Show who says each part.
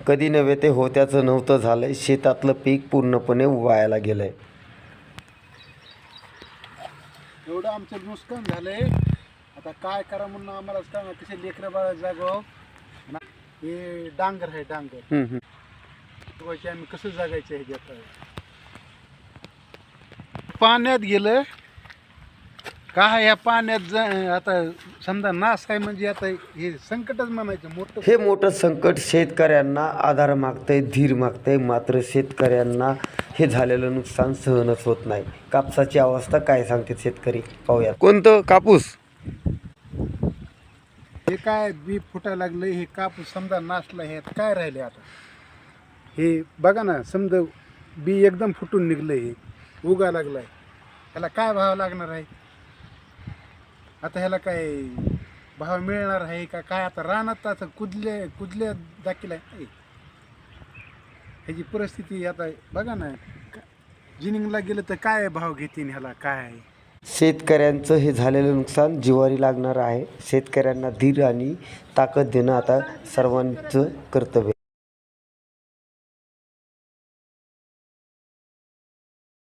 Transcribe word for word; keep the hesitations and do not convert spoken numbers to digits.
Speaker 1: कधी नव्हे ते होत्याचं नव्हतं झालंय. शेतातलं पीक पूर्णपणे वायाला गेलंय.
Speaker 2: एवढं आमचं नुकसान झालंय. आता काय करा म्हणून आम्हाला सांगा, कसे लेकरं बाळा जागाव. हे डांगर आहे डांगर. आम्ही कसं जगायचं हे घेत पाण्यात गेलं काय या पाण्यात जा आता समजा नाश आहे म्हणजे आता हे संकटच म्हणायचं मोठं.
Speaker 1: हे मोठं संकट शेतकऱ्यांना आधार मागतंय, धीर मागतंय. मात्र शेतकऱ्यांना हे झालेलं नुकसान सहनच होत नाही. कापसाची अवस्था काय सांगते शेतकरी पाहूया. कोणतं कापूस?
Speaker 2: हे काय बी फुटायला लागलं. हे कापूस समजा नाशला. हे काय राहिले आता हे बघा ना. समजा बी एकदम फुटून निघलं. हे उगा लागलाय. ह्याला काय भाव लागणार आहे आता? ह्याला काय भाव मिळणार आहे का काय? आता रानात आता कुदले कुदले दाखल आहे. ह्याची परिस्थिती आता बघा ना. जिनिंगला गेलं तर काय भाव घेतील ह्याला काय?
Speaker 1: शेतकऱ्यांचं हे झालेलं नुकसान जिवारी लागणार आहे. शेतकऱ्यांना धीर आणि ताकद देणं आता सर्वांचं कर्तव्य.